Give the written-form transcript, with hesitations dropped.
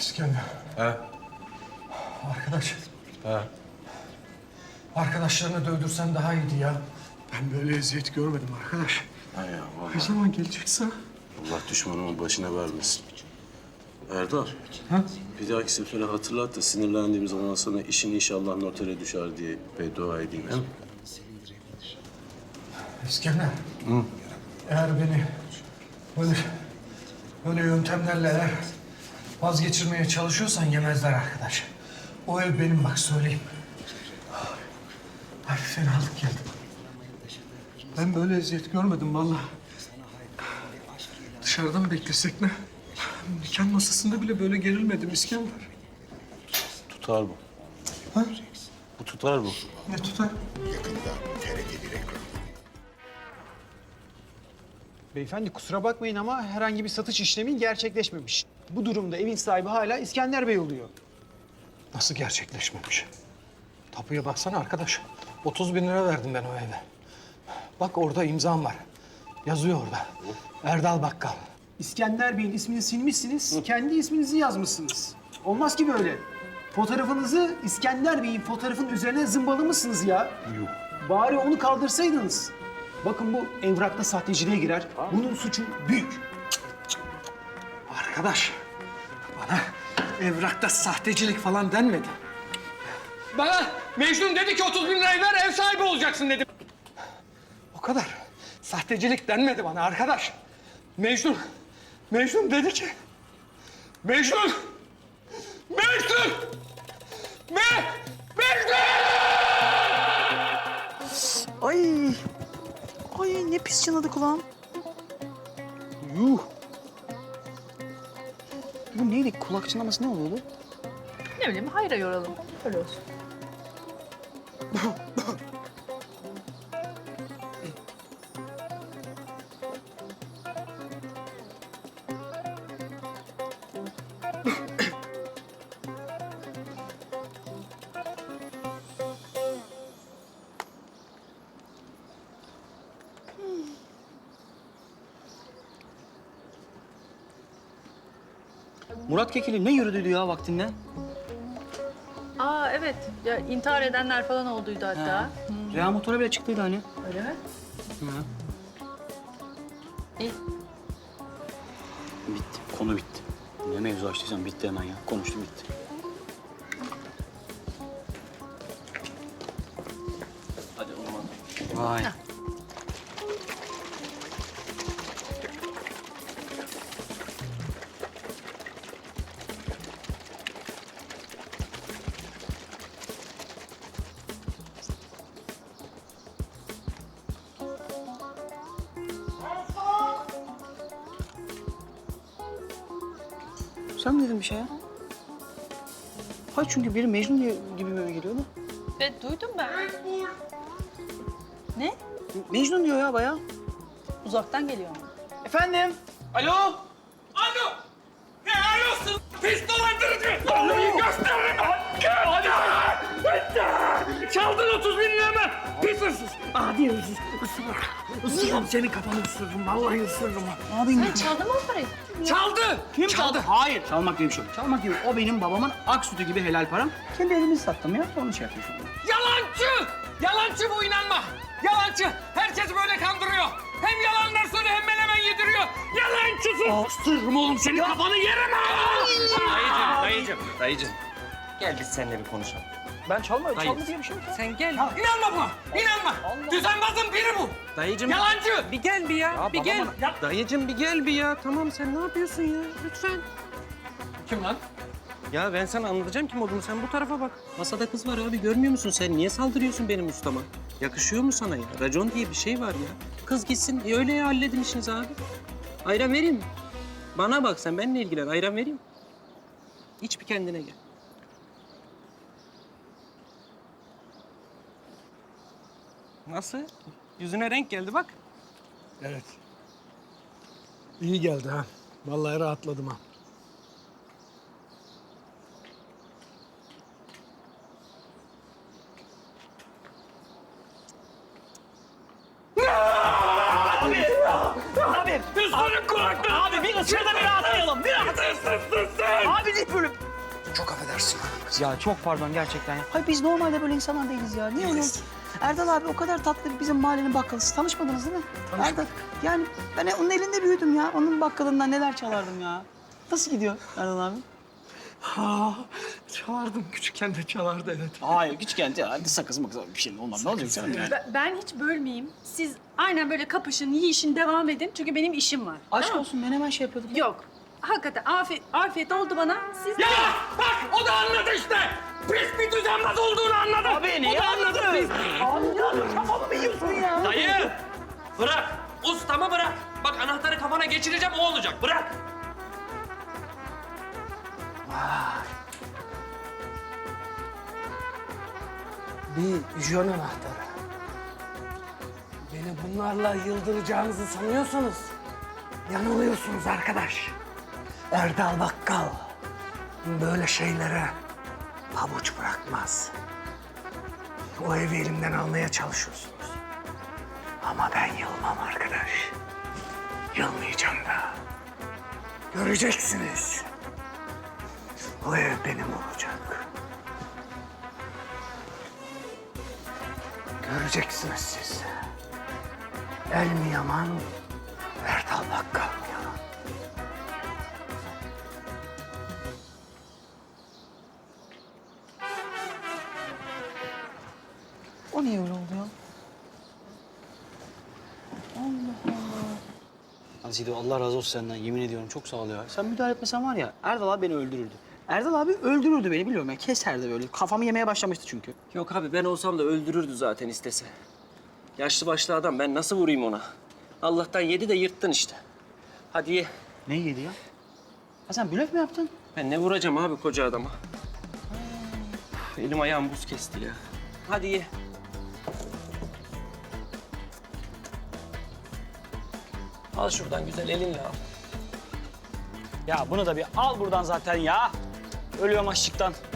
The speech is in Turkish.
İskender. He? Arkadaş. He? Arkadaşlarını dövdürsen daha iyiydi ya. Ben böyle eziyet görmedim arkadaş. Hay ya vallahi. Ne zaman gelecekse? Allah düşmanımın başına vermesin. Erdal. Ha? Bir dahaki sefere hatırlat da sinirlendiğim zaman sana işin inşallah notere düşer diye beddua edeyim. He? İskender. Eğer beni böyle yöntemlerle eğer vazgeçirmeye çalışıyorsan yemezler arkadaş. O ev benim bak söyleyeyim. Ay fenalık geldi. Ben böyle eziyet görmedim vallahi. Dışarıdan beklesek ne? Nikah masasında bile böyle gerilmedim İskender. Tutar bu. Ha? Bu tutar bu. Ne tutar? Beyefendi kusura bakmayın ama herhangi bir satış işlemi gerçekleşmemiş. Bu durumda evin sahibi hala İskender Bey oluyor. Nasıl gerçekleşmemiş? Tapuya baksana arkadaş. 30 bin lira verdim ben o eve. Bak orada imzam var. Yazıyor orada. Erdal Bakkal. İskender Bey'in ismini silmişsiniz, kendi isminizi yazmışsınız. Olmaz ki böyle. Fotoğrafınızı İskender Bey'in fotoğrafının üzerine zımbalamışsınız ya. Yok. Bari onu kaldırsaydınız. Bakın bu evrakta sahteciliğe girer. Bunun suçu büyük. Arkadaş, bana evrakta sahtecilik falan denmedi. Bana Mecnun dedi ki 30 bin lirayı ver ev sahibi olacaksın dedi. O kadar. Sahtecilik denmedi bana arkadaş. Mecnun dedi ki... Mecnun! Mecnun! Mecnun! Ay. Ay ne pis çınladı kulağım. Yuh. Bu neydi? Kulak çınlaması ne oluyordu? Ne bileyim hayra yoralım. Öyle olsun. Murat Kekili ne yürüdüydü ya vaktinde? Aa evet. Ya, intihar edenler falan olduydu hatta. Reha motora bile çıktıydı hani. Öyle mi? Hı. İyi. Bitti, konu bitti. Ne mevzu açtıysan bitti hemen ya. Konuştu bitti. Hadi olmadı. Vay. Sen mi dedin bir şey ya? Hayır çünkü biri Mecnun diye gibi mi geliyordu? Evet duydum ben. Ne? Mecnun diyor ya bayağı. Uzaktan geliyor mu? Efendim? Alo! Alo! Ne arıyorsun? Pis dolandırıcı! Vallahi gösteririm! Hadi! Hadi! Çaldın 30 bin liramı! Pis hırsız! Adi hırsız! Isırırım senin kafanı ısırırım. Vallahi ısırırım. Sen çaldın mı o parayı? Çaldı! Kim çaldı? Hayır. Çalmak diye bir şey yok. Çalmak gibi. O benim babamın ak sütü gibi helal param. Kendi elimi sattım ya. Onu şey yapıyorsun. Yalancı! Yalancı bu inanma! Yalancı! Herkes böyle kandırıyor. Hem yalanlar söylüyor hem menemen yediriyor. Yalancısın! Isırırım oğlum senin kafanı yerim ha! Dayıcım. Gel biz seninle bir konuşalım. Ben çalmadım. Hayır. Çaldı diye bir şey yok. Sen gel. İnanma buna! İnanma! Düzenbazın biri bu! Dayıcım. Yalancı! Bir gel bir ya. bir gel. Ya- Dayıcım bir gel bir ya. Tamam sen ne yapıyorsun ya? Lütfen. Kim lan? Ya ben sana anlatacağım kim olduğunu. Sen bu tarafa bak. Masada kız var abi. Görmüyor musun? Sen niye saldırıyorsun benim ustama? Yakışıyor mu sana ya? Racon diye bir şey var ya. Kız gitsin. Öyle ya halledin işinizi abi. Ayran vereyim mi? Bana bak sen benimle ilgilen. Ayran vereyim mi? İç bir kendine gel. Nasıl? Yüzüne renk geldi bak. Evet. İyi geldi ha. Vallahi rahatladım ha. Üstünün kulaklığı! Abi bir ısır da bir rahatlayalım. Bir rahat. Sus! Abi ne böyle? Haklısın. Ya çok pardon gerçekten ya. Hayır biz normalde böyle insanlar değiliz ya. Niye öyle oldu? Erdal abi o kadar tatlı bizim mahallenin bakkalı. Siz tanışmadınız değil mi? Erdal. Yani ben onun elinde büyüdüm ya. Onun bakkalından neler çalardım ya. Nasıl gidiyor Erdal abi? Çalardım. Küçükken de çalardı evet. Hayır küçükken ya. Hadi sakız makız bir şey olmaz. Ne olacak canım yani? Ben hiç bölmeyeyim. Siz aynen böyle kapışın, yiyişin, devam edin. Çünkü benim işim var. Aşk olsun ben hemen şey yapıyordum. Yok. Hakikaten afiyet oldu bana. Siz Ya bak o da anladı işte. Pis bir düzenbaz olduğunu anladı. Abi neyi anladın? Abi ya kafamı mı yiyorsun ya? Dayı bırak. Ustamı bırak. Bak anahtarı kafana geçireceğim o olacak. Bırak. Bir jön anahtarı. Beni bunlarla yıldıracağınızı sanıyorsanız yanılıyorsunuz arkadaş. Erdal Bakkal böyle şeylere pabuç bırakmaz. O evi elimden almaya çalışıyorsunuz. Ama ben yılmam arkadaş. Yılmayacağım da. Göreceksiniz. O ev benim olacak. Göreceksiniz siz. El mi yaman, Erdal Bakkal mı yaman? O niye öyle oldu ya? Allah Allah. Azido Allah razı olsun senden. Yemin ediyorum çok sağ ol ya. Sen müdahale etmesen var ya Erdal abi beni öldürürdü. Erdal abi öldürürdü beni biliyorum ya. Keserdi böyle. Kafamı yemeye başlamıştı çünkü. Yok abi ben olsam da öldürürdü zaten istese. Yaşlı başlı adam ben nasıl vurayım ona? Allah'tan yedi de yırttın işte. Hadi ye. Ne yedi ya? Ha sen blöf mü yaptın? Ben ne vuracağım abi koca adama? Elim ayağım buz kesti ya. Hadi ye. Al şuradan güzel elinle al. Ya bunu da bir al buradan zaten ya. Ölüyorum açlıktan.